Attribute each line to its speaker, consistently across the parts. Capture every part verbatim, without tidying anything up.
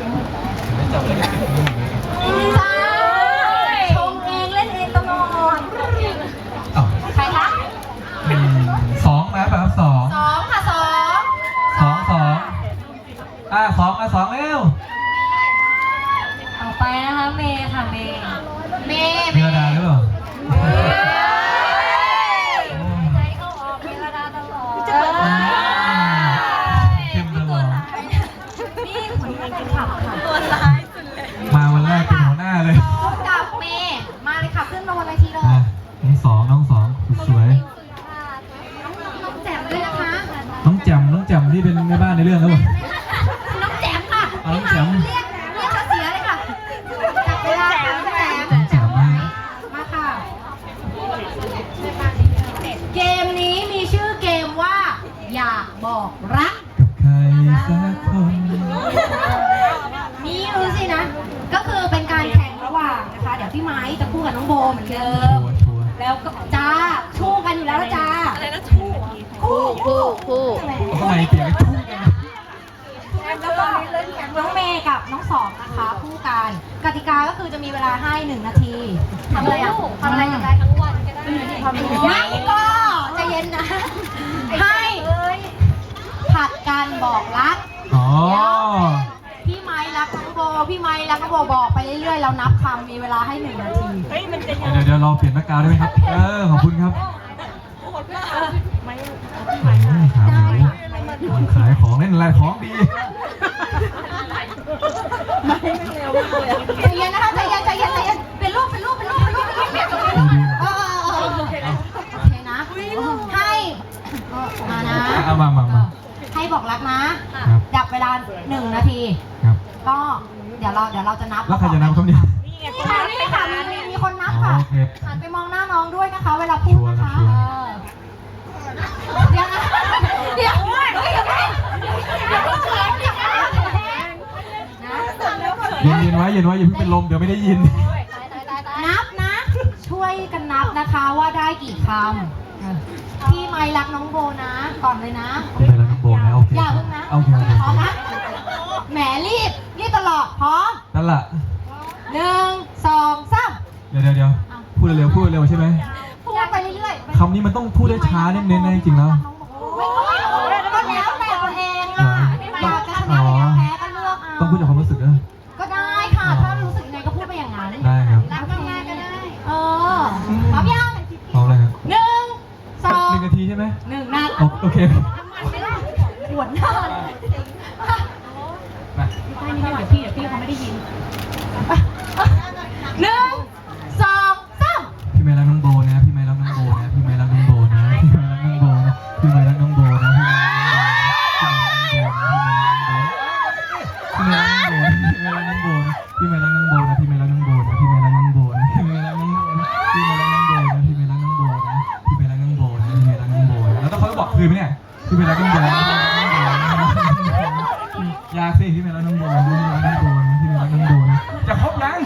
Speaker 1: ไม่จับเลย
Speaker 2: ใช่ชงเองเล่นเองตลอดใครคะ
Speaker 1: สองนะแบบสอง
Speaker 2: สองค่ะสอง
Speaker 1: สองสองอ่ะสองอ่ะสองเร็ว
Speaker 2: ต่อไปนะคะเมย์ค่ะเมย์เมย์
Speaker 1: มีระดาหรือเปล่า
Speaker 2: ใจเข้าออกเมระดาตลอด
Speaker 1: เข้มตลอด
Speaker 2: นี่คนนี้เป็นขับค่ะ
Speaker 3: ตัวร้ายสุดเลย
Speaker 1: มาวันแรกเป็นหัวหน้าเลย
Speaker 2: สองกับเมย์มาเลยค่ะขึ้นมาบนเวทีเลย
Speaker 1: อ่ะน้องสองน้องสองสวย
Speaker 2: น้องแจ่มด้วยนะคะ
Speaker 1: น้องแจ่มน้องแจ่มที่เป็นแม่บ้านในเรื่องครับผม
Speaker 2: น้องแจ่มค่ะ
Speaker 1: เอาน้องแจ่ม
Speaker 2: เรียกเรียกเขาเสียเลยค่ะจับเวลาค่ะน้องแจ่ม
Speaker 1: น้องแจ่มมาก
Speaker 2: มาค่ะ เกมนี้มีชื่อเกมว่า อยากบอกรัก
Speaker 1: กับใครสักคน
Speaker 2: นี่รู้สินะ ก็คือเป็นการแข่งระหว่างนะคะ เดี๋ยวพี่ไม้จะคู่กับน้องโบเหมือนเดิ
Speaker 1: ชั
Speaker 2: ม
Speaker 1: วร์ชัวร์
Speaker 2: แล้วก็จ้าชู้กันอยู่แล้วนะจ้า
Speaker 3: อะไรนะทู่
Speaker 2: คู่คู่คู่
Speaker 1: ทำไมเปลี่ยนไปทุ่งกัน
Speaker 2: แล้วก็น้องเมย์กับน้องสองนะคะคู่กัน กติกาก็คือจะมีเวลาให้หนึ่งนาทีทำอะไรอ่ะทำอะไรกันได้ทั้งวันก็ได้ไม่ก็ใจเย็นนะ ให้ผัดกันบอกรัก
Speaker 1: อ๋อ
Speaker 2: พี่ไม้รักน้องโบ พี่ไม้รักน้องโบบอกไปเรื่อยๆ เรานับคำมีเวลาให้หนึ่งนาที
Speaker 3: เฮ้ยมันจะ
Speaker 1: เดี๋ยวเดี๋ยวเราเปลี่ยนนักกาวได้ไหมครับ เออ ขอบคุณครับ
Speaker 3: โหดมากไม่
Speaker 1: อืมขาหมูขายของเล่นอะไรของดี
Speaker 3: ไม่ไม่เร็วมากเลย
Speaker 2: ใจเย็นนะคะใจเย็นใจเย็นใจเย็นเป็นรูปเป็นรูปเป็นรูปเป็นรูปเป็นรูปเป็นรูปเออเออเออโอเคนะ ให้มานะ
Speaker 1: เอามามามา
Speaker 2: ให้บอกรักนะ
Speaker 1: ครับ
Speaker 2: ดับเวลาหนึ่งนาที
Speaker 1: ครับ
Speaker 2: ก็เดี๋ยวเราเดี๋ยวเราจะนับ
Speaker 1: แล้วใครจะนำครับเนี่ย
Speaker 3: นี่ไง
Speaker 2: นี่ค่ะนี่ค่ะมีมีคนนับ
Speaker 1: อ๋อ
Speaker 2: ค่ะ
Speaker 1: โอเค
Speaker 2: หันไปมองหน้าน้องด้วยนะคะ เวลาพูดนะคะ
Speaker 1: ชัวร์
Speaker 2: เอ
Speaker 1: ครับ
Speaker 2: อเดี๋ยวนะเดี๋ยวเดี๋ยวเดี๋ยวเดี๋ยวเดี๋ยวเดี๋ยวนะ
Speaker 1: เย็นเย็นไว้เย็นไว้อย่าเพิ่งเป็นลมเดี๋ยวไม่ได้ยิน
Speaker 2: นับนะ ช่วยกันนับนะคะว่าได้กี่คำพี่ไมค์รักน้องโบนะ ก่อนเลยนะ
Speaker 1: ผมไปแล้วน้องโบนะโอเค
Speaker 2: อย่าเพิ่งนะ
Speaker 1: โอเคโอเค
Speaker 2: พร้อมนะแหมรีบรีบตลอดพร้อม
Speaker 1: นั่นแหละ
Speaker 2: หนึ่งสองสาม
Speaker 1: เดี๋ยวเดี๋ยวเดี๋ยวพูดเร็วๆพูดเร็วๆใช่ไหม
Speaker 2: พูดไปเรื่อยๆ
Speaker 1: คำนี้มันต้องพูดได้ช้าเน้นๆนะจริงๆแล้ว
Speaker 2: ไม่ต้องก็แล้วแต่ตัวเองอ่ะอยากจะชนะอยากแพ้ก็เลือกเอา
Speaker 1: ต้องพูดจากความรู้สึกนะ
Speaker 2: ก็ได้ค่ะ ถ้ารู้สึกยังไงก็พูดไปอย่างนั้น
Speaker 1: ได้ครับ
Speaker 2: รักง่ายๆก็ได้ เออพร้อมยัง
Speaker 1: พร้อมเลยครับ
Speaker 2: หนึ่งสอง
Speaker 1: หนึ่งนาทีใช่ไหม
Speaker 2: หนึ่งนัด
Speaker 1: โอโอเค
Speaker 2: ปวดหน้า
Speaker 1: มา
Speaker 2: ใช่นี่เดี๋ยวพี่เดี๋ยวพี่เขาไม่ได้ยินหนึ่งสองสาม
Speaker 1: พี่ไม่รักน้องโบนะพี่ไม่รักน้องโบนะพี่ไม่รักน้องโบนะพี่ไม่รักน้องโบนะพี่ไม่รักน้องโบนะพี่ไม่รักน้องโบนะพี่ไม่รักน้องโบนะพี่ไม่รักน้องโบนะพี่ไม่รักน้องโบนะพี่ไม่รักน้องโบนะพี่ไม่รักน้องโบนะพี่ไม่รักน้องโบนะพี่ไม่รักน้องโบนะพี่ไม่รักน้องโบนะพี่ไม่รักน้องโบนะพี่ไม่รักน้องโบนะแล้วต้องเขาบอกคืนไหมเนี่ยพี่ไม่รักน้องโบนะยากสิพี่ไม่รักน้องโบนะพี่ไม่รักน้องโบนะพี่ไม่รักน้องโบนะจะครบยัง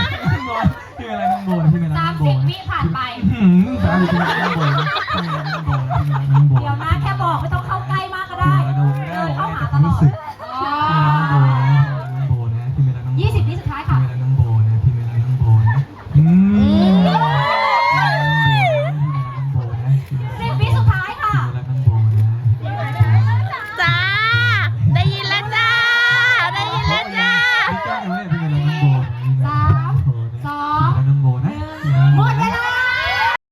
Speaker 1: พี่ไม่รักน้องโบนะพี่ไม่รัก
Speaker 2: สา
Speaker 1: น้
Speaker 2: ม
Speaker 1: องโบ
Speaker 2: สิบ
Speaker 1: นะ
Speaker 2: วิผ่านไป
Speaker 1: หืมสามสิบพี่ไม่รักน้องโบนะพี่ไม่รักน้องโบ